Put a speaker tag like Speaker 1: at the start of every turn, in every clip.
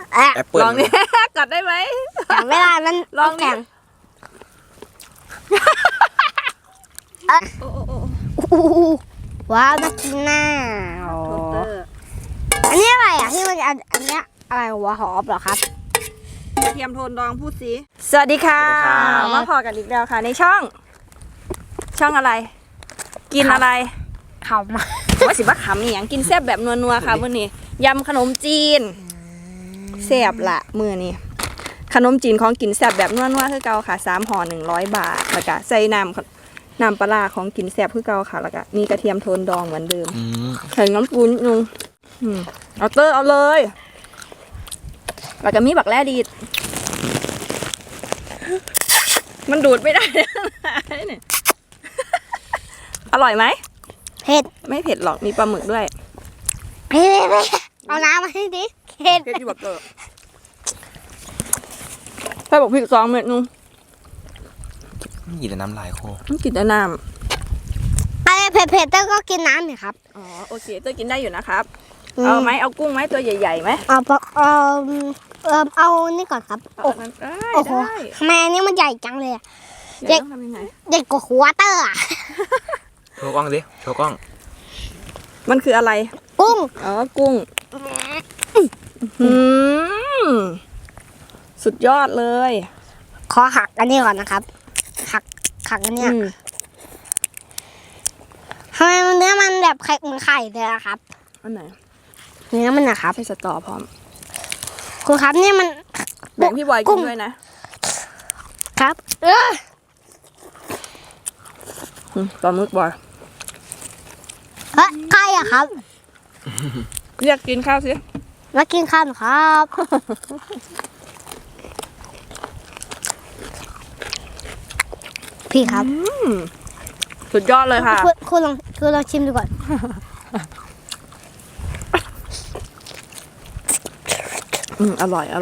Speaker 1: แอปเปิ้ล
Speaker 2: ลองนี่กัดได้ไหม
Speaker 3: แต่เวลามัน
Speaker 2: ลองดิ
Speaker 3: แข็งว้าวน่ากินน่าอันนี้อะไรอ่ะที่มันอันเนี้ยอะไรหัวหอมเหรอครับ
Speaker 2: เทียมโทนดองพูดสิสวัสดีค่ะมาพอกันอีกแล้วค่ะในช่องอะไร กินอะไร
Speaker 3: เขามา
Speaker 2: ว่าสิว่าขำอหย่างกินแซ่บแบบนัวๆค่ะมื้อนี้ยำขนมจีนแซ่บละมื้อนี้ขนมจีนของกินแซ่บแบบนัวๆคือเก่าค่ะ3ห่อ100 บาทแล้วก็ใส่น้ำปลาร้าของกินแซ่บคือเก่าค่ะแล้วก็มีกระเทียมโทนดองเหมือนเดิมใส่น้ำปูนิดนึงเอาเตอร์เอาเลยแล้วก็มีบักแร่ดีดมันดูดไม่ได้เนี่ยอร่อยไหม
Speaker 3: เผ็ด
Speaker 2: ไม่เผ็ดหรอกมีปลาหมึกด้วย
Speaker 3: เผ็ดเอาน้ำมาให้ดิเผ็ด
Speaker 2: เผ็ดอยู่แบบเตอร์ใส่บอกพริก2 เม็ดนึง
Speaker 1: หยิบแต่น้ำลายโค
Speaker 2: ต้องกินแต่น้
Speaker 3: อะไรเผ็ดๆเต้ก็กินน้ำเนี่ยครับ
Speaker 2: ำอ๋อโอเคเตอร์กินได้อยู่นะครับเอาไหมเอากุ้งไหมตัวใหญ่ๆไหม
Speaker 3: เอานี่ก่อนครับ
Speaker 2: เอาอันนั้นได้
Speaker 3: โอ้โห
Speaker 2: ได้
Speaker 3: ทำไมอันนี้มันใหญ่จังเลยอะ
Speaker 2: เดี๋ยวต้องทำยังไง
Speaker 3: ใหญ่กว่าหัวเตอร์อะ
Speaker 1: โชว์กล้องดิโชว์กล้อง
Speaker 2: มันคืออะไร
Speaker 3: กุ้ง
Speaker 2: อ๋อกุ้งสุดยอดเลย
Speaker 3: ขอหักอันนี้ก่อนนะครับ หักอันเนี้ย
Speaker 2: อืม
Speaker 3: ทำไมเนื้อมันแบบไข่เหมือนไข่เลยอะครับ
Speaker 2: อันไหน
Speaker 3: เนื้อมันนะครับ
Speaker 2: ใส่สตอพร้อม
Speaker 3: คุณครับนี่มัน
Speaker 2: แบ่งพี่บอยกินด้วยนะครับ ปลาหมึกบอย
Speaker 3: ไข่อะครับ
Speaker 2: เรียกกินข้าวสิ
Speaker 3: มากินข้าวหน่อยครับ พี่ครับ
Speaker 2: สุดยอดเลยค่ะ
Speaker 3: คุณลองชิมดูก่อน
Speaker 2: อร่อย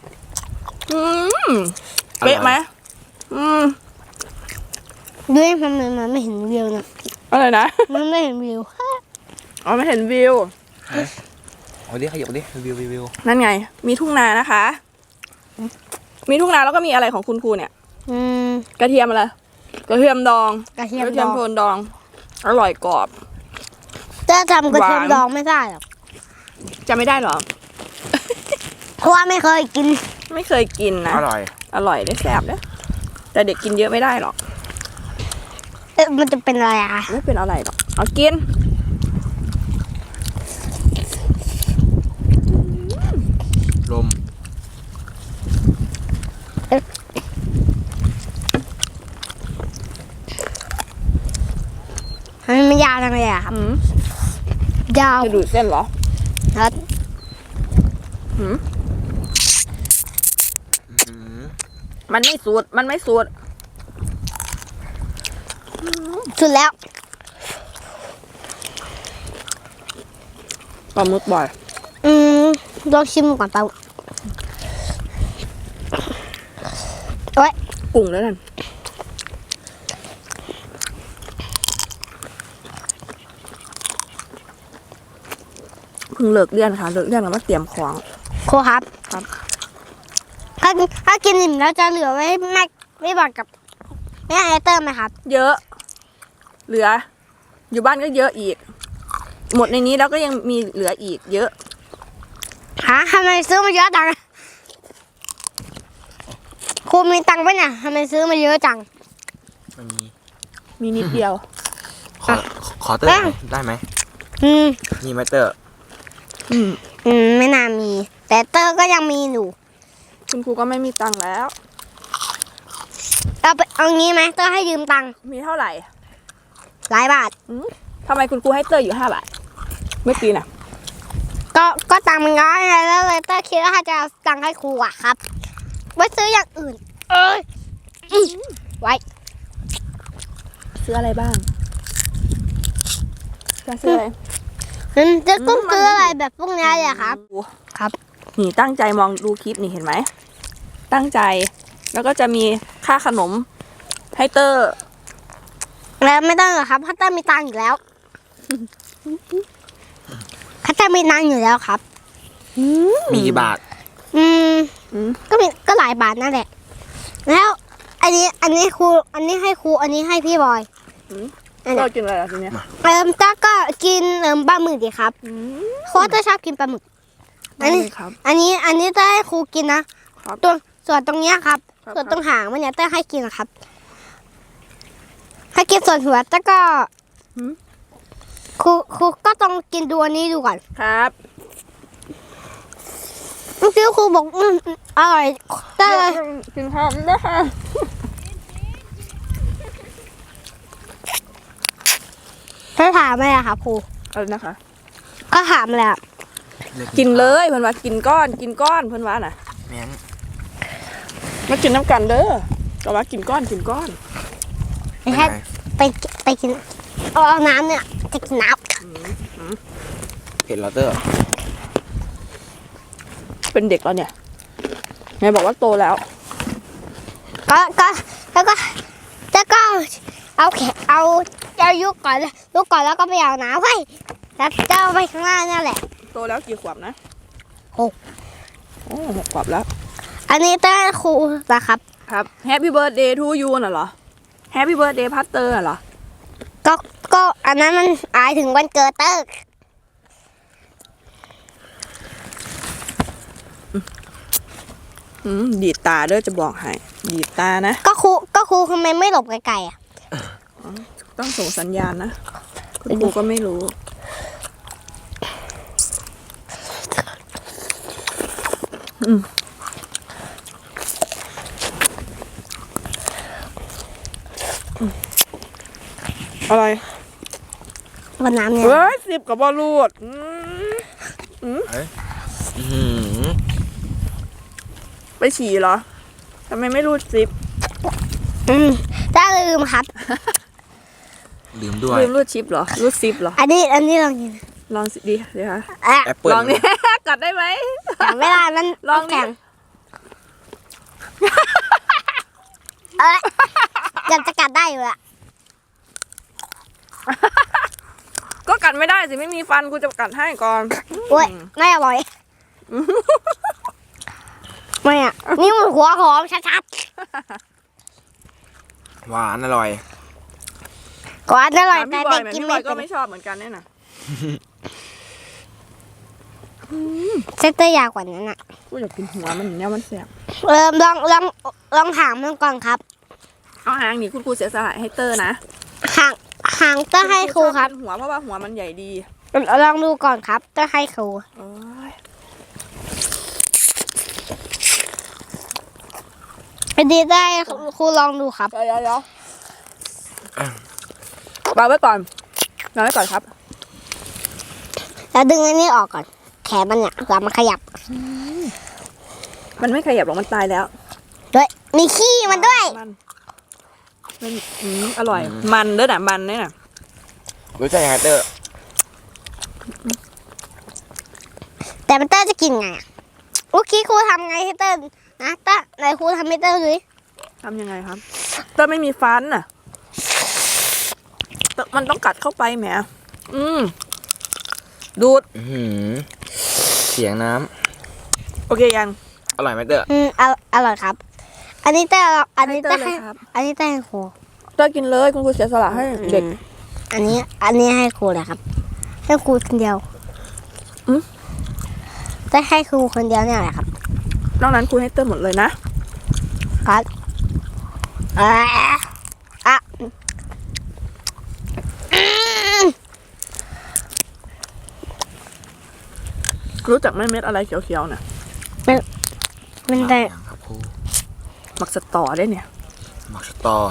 Speaker 2: เป๊ะไหม
Speaker 3: ด้วยมันไม่เห็นวิวนะ
Speaker 2: อะไรนะ
Speaker 3: มันไม่เห็นวิว
Speaker 2: อ๋อไม่เห็นวิว
Speaker 1: เอาดิขยับดิวิว
Speaker 2: นั่นไง มีทุ่งนานะคะ มีทุ่งนาแล้วก็มีอะไรของคุณครูเนี่ย กระเทียมอะไร กระเทียมดอง
Speaker 3: กระเทียม
Speaker 2: โทนดอง อร่อยกรอบ
Speaker 3: จะทำกระเทียม
Speaker 2: หวาน
Speaker 3: ดองไม่ได้หรอก
Speaker 2: จะไม่ได้หรอ
Speaker 3: เพราะว่าไม่เคยกิน
Speaker 2: ไม่เคยกินนะ
Speaker 1: อร่อย
Speaker 2: อร่อยได้แซ่บนะแต่เด็กกินเยอะไม่ได้หรอก
Speaker 3: มันจะเป็นอะไรอะ
Speaker 2: ไม่เป็นอะไรหรอก เอากิน
Speaker 1: ลม
Speaker 3: มันยาวจังเลยอะครับยาว
Speaker 2: จะดูดเส้นเหรอ
Speaker 3: ครับ
Speaker 2: มันไม่สูด
Speaker 3: สุดแล้ว
Speaker 2: ปลาหมึกบ่อย
Speaker 3: ลองชิมก่อนเปล่าโอ๊ย
Speaker 2: กุ้งแล้วนั่นเพิ่งเลิกเรียนค่ะ เลิกเรียนแล้วมาเตรียมของ
Speaker 3: ครูครับ
Speaker 2: ครับ
Speaker 3: ถ้ากินอิ่มแล้วจะเหลือไว้ไม่บอกกับแม่ไอเตอร์ไหมครับ
Speaker 2: เยอะ เหลือ อยู่บ้านก็เยอะอีก หมดในนี้แล้วก็ยังมีเหลืออีก เยอะ
Speaker 3: ทำไมซื้อมาเยอะจังครูมีตังค์ปะเนี่ยทำไมซื้อมาเยอะจัง
Speaker 1: ไม่มี
Speaker 2: มีนิดเดียว
Speaker 1: ขอเตอร์หน่อยได้ไหม
Speaker 3: อืม
Speaker 1: มีไหมเตอร์
Speaker 3: ไม่น่ามี แต่เตอร์ก็ยังมีอยู่
Speaker 2: คุณครูก็ไม่มีตังค์แล้ว
Speaker 3: เอางี้ไหมเตอร์ให้ยืมตังค์
Speaker 2: มีเท่าไหร่
Speaker 3: หลายบาท
Speaker 2: ทำไมคุณครูให้เตอร์อยู่5 บาทเมื่อกี้น่ะ
Speaker 3: ก็ตังค์มันน้อยไงแล้วเลยเตอร์คิดว่าจะเอาตังค์ให้ครูอะครับไว้ซื้ออย่างอื่น ไว้
Speaker 2: ซื้ออะไรบ้างจะซื้ออะไร
Speaker 3: จะต้องซื้ออะไรแบบพวกนี้เลยครับ ครับ
Speaker 2: นี่ตั้งใจมองดูคลิปนี่เห็นไหม ตั้งใจ แล้วก็จะมีค่าขนมให้เตอร์
Speaker 3: แล้วไม่ต้องหรอกครับพัตเตอร์มีตังค์อยู่แล้วพัตเตอร์มีตังค์อยู่แล้วครับ
Speaker 1: มีกี่บาท
Speaker 3: อืม
Speaker 2: อืม
Speaker 3: ก็หลายบาทนั่นแหละ แล้วอันนี้ครูอันนี้ให้ครูอันนี้ให้พี่บอย อันนี้
Speaker 2: เรากินอะไรอ่ะทีเนี้ย
Speaker 3: จ้าก็กินปลาหมึกดีครับ
Speaker 2: อืม
Speaker 3: โค้ชจะชอบกินปลาหมึก
Speaker 2: ได้เลยครับ
Speaker 3: อันนี้จะให้ครูกินนะครับ ส่วนตรงเนี้ยครับ
Speaker 2: ครับ
Speaker 3: ส่วนตรงหางมันเนี่ยเต้ให้กินนะครับ ให้กินส่วนหัวแต่ก็
Speaker 2: หืม
Speaker 3: ครูก็ต้องกินดูอันนี้ดูก่อน
Speaker 2: ครับ
Speaker 3: เมื่อกี้ครูบอกอร่อยเต้
Speaker 2: กินข้าวได้ค่ะ
Speaker 3: เต้ถามอะไรอะครับครู
Speaker 2: อะไรนะคะ
Speaker 3: ก็ถามเลยอะ
Speaker 2: กินเลยเพิ่นว่ากินก้อนเพิ่นว่าน่ะ
Speaker 1: แม่ง
Speaker 2: มากินน้ำกันเด้อก็ว่ากินก้อน
Speaker 3: ไม่ใช่ไปกินเอาน้ำเนี่ยจะกินน้
Speaker 1: เผ็ดเหรอเตอร์
Speaker 2: เป็นเด็กแล้วเนี่ยไงบอกว่าโตแล้ว
Speaker 3: ำแล้วก็เอายุกก่อนแล้วก็ไปเอาน้ำไว้แล้วจะเอาไปข้างหน้านี่แหละ
Speaker 2: โตแล้วกี่ขวบนะ
Speaker 3: หก
Speaker 2: โอ้6 ขวบแล้ว
Speaker 3: อันนี้เต้ครูนะครับ
Speaker 2: ครับ Happy Birthday to you น่ะเหรอ Happy Birthday พัตเตอร์เหรอ
Speaker 3: ก็อันนั้นมันอายถึงวันเกิดเต้
Speaker 2: ดีดตาเด้อจะบอกให้ดีดตานะ
Speaker 3: ก็ครูทำไมไม่หลบไกลๆอ่ะ
Speaker 2: ต้องส่งสัญญาณนะคุณครูก็ไม่รู้ อะไร
Speaker 3: วันน้ำเนี่ย
Speaker 2: เฮ้ย10 กับบอลลูด ไปฉี่เหรอ ทำไมไม่รูดซิป
Speaker 3: ถ้าลืมครับ
Speaker 1: ลืมด้วย
Speaker 2: ลืมรูดชิปเหรอ รูดซิปเหรอ
Speaker 3: อันนี้ลองกิน
Speaker 2: ลองสิดีสิคะ
Speaker 3: อ่ะ
Speaker 1: แอปเปิล
Speaker 2: ลองนี่ กัดได้ไหม
Speaker 3: แต่เวลามัน
Speaker 2: ลองดิ
Speaker 3: แข็งเกือบจะกัดได้อยู่ละ
Speaker 2: ก็กัดไม่ได้สิ ไม่มีฟันกูจะกัดให้ก่อน
Speaker 3: โอ้ยไม่อร่อยไม่อ่ะนี่มันหัวหอมชัด
Speaker 1: หวานอร่อย
Speaker 3: ๆก่อนอร่อย
Speaker 2: ถาม
Speaker 3: แต่
Speaker 2: พี่บอ
Speaker 3: เด็
Speaker 2: ย
Speaker 3: ก
Speaker 2: ไหม
Speaker 3: กิน
Speaker 2: พี่บ
Speaker 3: ไม่
Speaker 2: อยก็
Speaker 3: เป็น
Speaker 2: ไม่ชอบเหมือนกันเนี่ยนะ
Speaker 3: เซตเตอร์ยาวกว่านั้นอ่ะ
Speaker 2: กูอยากกินหัวมันอย่างเนี้ยมันแสบ
Speaker 3: ลองถามมันก่อนครับ
Speaker 2: เอาหางนี่คุณครูเสียสละให้เตอร์นะ
Speaker 3: หางเตอร์ให้ครูครับ
Speaker 2: ชอกินหัวเพราะว่าหัวมันใหญ่ดี
Speaker 3: ลองดูก่อนครับเตอร์ให้ครู
Speaker 2: โอ้ย
Speaker 3: อันนี้ได้ครูลองดูครับ
Speaker 2: เดี๋ยววางไว้ก่อนครับ
Speaker 3: แล้วดึงอันนี้ออกก่อน แขนมันเนี่ยแล้วมันขยับ
Speaker 2: มันไม่ขยับหรอกมันตายแล้ว
Speaker 3: ด้วยมีขี้มันด้วย
Speaker 2: มันอร่อย มันด้วยนะมันเนี่ยนะ
Speaker 1: รู้จักยังไงเตอร์
Speaker 3: แต่มันเตอร์จะกินไงอะเมื่อกี้ครูทำไงให้เตอร์นะเตอร์ไหนครูทำให้เตอร์ดูดิ
Speaker 2: ทำยังไงครับเตอร์ไม่มีฟันน่ะมันต้องกัดเข้าไปแหมดูด
Speaker 1: เสียงน้
Speaker 2: โอเคยัง
Speaker 1: ำอร่อยไหมเตอร์
Speaker 3: อร่อยครับ อันนี้เตอร์อันนี้เตอร์
Speaker 2: ให้เตอร์
Speaker 3: ให้
Speaker 2: เลยครับ
Speaker 3: อันนี้เตอร์ให้ครู
Speaker 2: เตอร์กินเลยคุณครูเสียสละให้เด็ก
Speaker 3: อันนี้ให้ครูเลยครับ ให้ครูคนเดียวจะให้ครูคนเดียวเนี่ยแหละครับ
Speaker 2: นอกนั้นครูให้เตอร์หมดเลยนะครับ
Speaker 3: อ่ะ
Speaker 2: รู้จักไหมเม็ดอะไรเขียวๆน่ะ
Speaker 3: มันแต่
Speaker 1: ครับครู
Speaker 2: หมักสตอได้เนี่ย
Speaker 1: หมักสตอ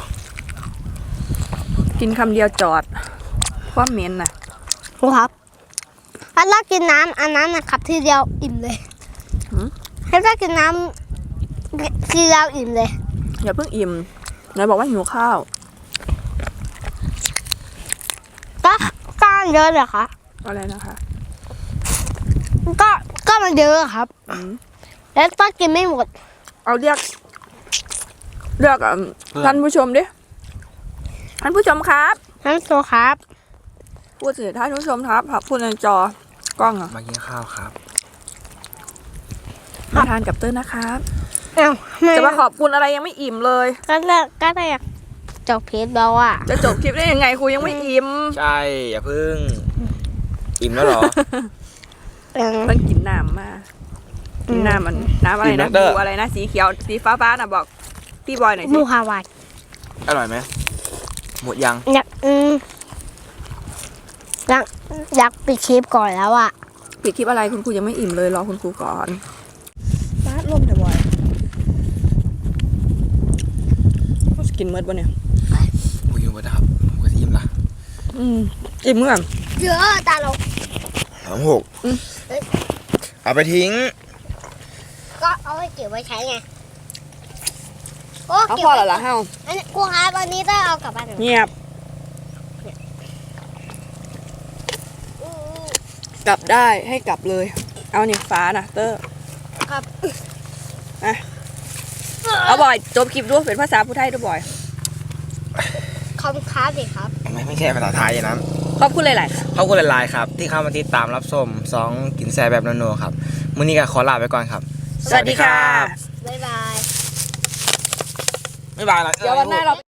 Speaker 2: กินคำเดียวจอดความเหม็นน่ะ
Speaker 3: ครูครับถ้าเรากินน้ำอันนั้นนะครับทีเดียวอิ่มเลยถ้าเรากินน้ำทีเดียวอิ่มเลย
Speaker 2: อย่าเพิ่งอิ่มนายบอกว่าหิวข้าว
Speaker 3: ก็ก้านเยอะเลยค่ะ
Speaker 2: อะไรนะคะ
Speaker 3: ก็มันเยอะครับ แล้วต้องกินไม่หมด
Speaker 2: เอาเรียกท่านผู้ชมดิท่านผู้ชมครับ
Speaker 3: น้ำโซครับ
Speaker 2: พูดสิท่านผู้ชมครับพูดในจอกล้องอ่ะ
Speaker 1: มากินข้าวครับ
Speaker 2: มาทานกับเต้ยนะครับ
Speaker 3: เอ้า
Speaker 2: จะมาขอบคุณอะไรยังไม่อิ่มเลย
Speaker 3: ก็ได้อยากจบเพจแล้วอ่ะ
Speaker 2: จะจบคลิปได้ยังไงครูยังไม่อิ่ม
Speaker 1: ใช่อย่าพึ่ง อิ่มแล้วเหรอ
Speaker 2: มันกินน้ำมากินน้ำมันน้ำอะไร
Speaker 1: กิน
Speaker 2: นะ
Speaker 1: น้ำเด้อ
Speaker 2: บูอะไรนะสีเขียวสีฟ้าน่ะบอกพี่บอยหน่อยสิ
Speaker 3: มูฮาวาย
Speaker 1: อร่อยไหมหมดยัง
Speaker 3: อยากอยากปิดคลิปก่อนแล้วอ่ะ
Speaker 2: ปิดคลิปอะไรคุณครูยังไม่อิ่มเลยรอคุณครูก่อนฟาดลมแต่บอยกินเมื่อวันเนี่ย
Speaker 1: โอ้ยหมดแล้วครับผมก็อิ่มละ
Speaker 2: อิ่มเมื่อ
Speaker 3: เยอะตาลง
Speaker 1: 36เอาไปทิ้ง
Speaker 3: ก็เอาไว้เก็บไว้ใช้ไงโอ้
Speaker 2: เอา
Speaker 3: เก็บ
Speaker 2: พอ
Speaker 3: ไว้
Speaker 2: แล้วล่ะเฮ้า
Speaker 3: อันนี้ครูครับวันนี้ต้องเอากลับบ้านหนู
Speaker 2: เงียบกลับได้ให้กลับเลย เอาเนี่ยฟ้านะเตอร์
Speaker 3: ครับ
Speaker 2: เอาบ่อยจบคลิปด้วยเป็นภาษาผู้ไทยด้วยบ่อย
Speaker 3: คอมครับสิครับ
Speaker 1: ไม่ใช่ภาษาไทยนะ
Speaker 2: ขอบคุณหลายๆ
Speaker 1: ขอบคุณหลายๆครับ ที่เข้ามาติดตามรับชม2กินแซ่บแบบนัวๆครับมื้อนี้ก็ขอลาไปก่อนครับ
Speaker 2: สวัสดีค่ะ
Speaker 3: บ๊ายบาย
Speaker 1: บ๊ายบายนะ
Speaker 2: เดี๋ยววันหน้าเรา